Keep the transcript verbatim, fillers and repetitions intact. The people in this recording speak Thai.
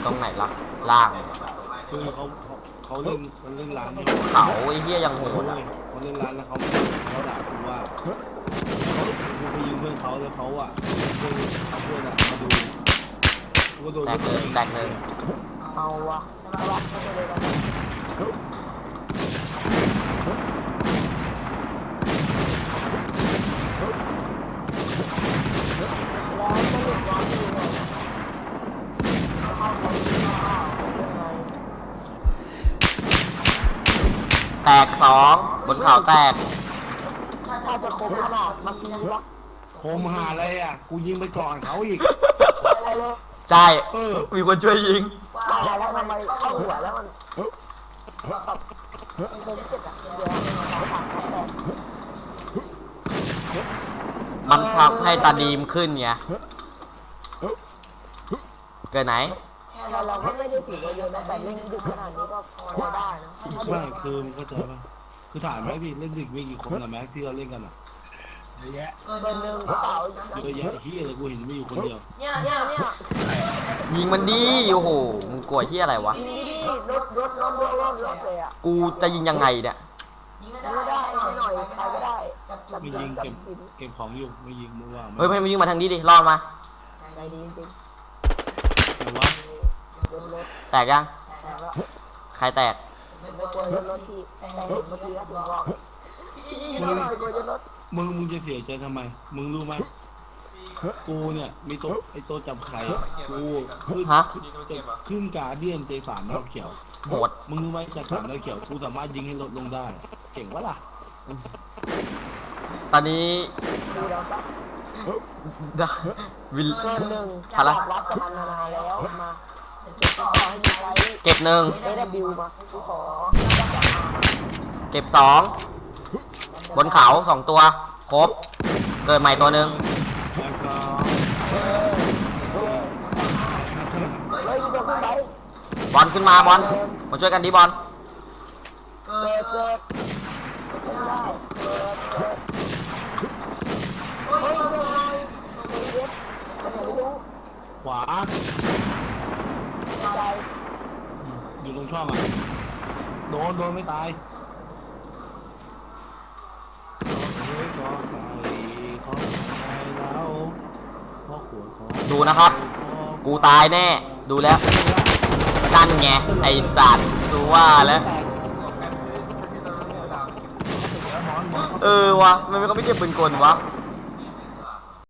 ตรงไหนล่ะล่างคือเขาเขาเขาเล่นมันเล่นร้านนี่เขาไอ้เหี้ยยังโหดเขาอ่ะเขาเล่นร้านแล้วเขาเขาด่ากูว่าเขากูไปยิงเพื่อนเขาแล้วเขาอ่ะเพื่อนเอาเพื่อนอ่ะมาดูกูก็โดนแตกหนึ่งแตกหนึ่งเอาวะเอาวะไม่เป็นไรหรอกแล้วก็หลุดร้อนอยู่เนี่ยเอาไปยังไงแตกสองบนเขาแตกถ้าจะคมขนาดเมื่อกี้วะโคมหาอะไรอ่ะกูยิงไปก่อนเขาอีกอะไรเลยใช่เออมีคนช่วยยิงว่าแล้วทำไมเข้าหัวแล้วมันแบบมันเป็นเจ็บอะเดี๋ยวมันสองสามแปดมันทำให้ตาดีมขึ้นไงเกิดไหนแต่เราก็ไม่ได้ถือว่าเยอะนะแต่เล่นดึกขนาดนี้ก็พอได้นะไม่คือมึงเข้าใจป่ะคือถ่ายแม็กดิเล่นดึกมีกี่คนนะแม็กที่เราเล่นกันอ่ะเยอะแยะเบอร์หนึ่งกระเป๋าเยอะแยะเฮียเลยกูเห็นมีอยู่คนเดียวเนี่ยเนี่ยเนี่ยยิงมันดีโอ้โหมึงกลัวที่อะไรวะนี่นี่รถรถรถรถรถรถเลยอ่ะกูจะยิงยังไงเนี่ยไม่ได้ไม่หน่อยใครไม่ได้จับไม่จัยิงบเก็บปิดเก็บของอยู่ไม่ยิงมึงว่าเฮ้ยไม่ยิงมาทางนี้ดิรอดมาใจดีจริงแต่ว่ารถรถแตกยังแต่ว่าใครแตกไม่กลัวรถรถที่แต่เห็นเมื่อกี้ก็ถึงบอกไม่หน่อยกลัวจะรถมึงมึงจะเสียใจทำไมมึงรู้ไหมกูเนี่ยมีโต๊ะไอ้โต๊ะจับไข่อะกูขึ้นฮะขึ้นการเดียนเจสามดาวเขียวโหดมึงรู้ไหมจากสามดาวเขียวกูสามารถยิงให้ลดลงได้ เก่งวะล่ะตอนนี้ดูแล้วก็ได้วิลเกินหนึ่งพลัจะงรับกับมันมานานแล้วมาจะขอให้มีไว้เก็บหนึ่งเอวมากูขอเก็บสองบนเขาสองตัวครบเกิดใหม่ตัวหนึ่งแล้วก็เฮ้ยตัวขึ้นไปบอลขึ้นมาบอลมาช่วยกันดิบอลเกิดเกิดไม่ได้เกิดเกิดเฮ้ยเจ้าไงเฮ้ยเด็ดไม่รู้ขวาใจอยู่ตรงช่องอ่ะโดนโดนไม่ตายเฮ้ยก็ไปขอไปแล้วพ่อขวดขอดูนะครับ กูตายแน่ ดูแล้วนั่นไงไอสัตว์ดูว่าแล้ว เออวะมันไม่ก็ไม่เก็บปืนกลวะ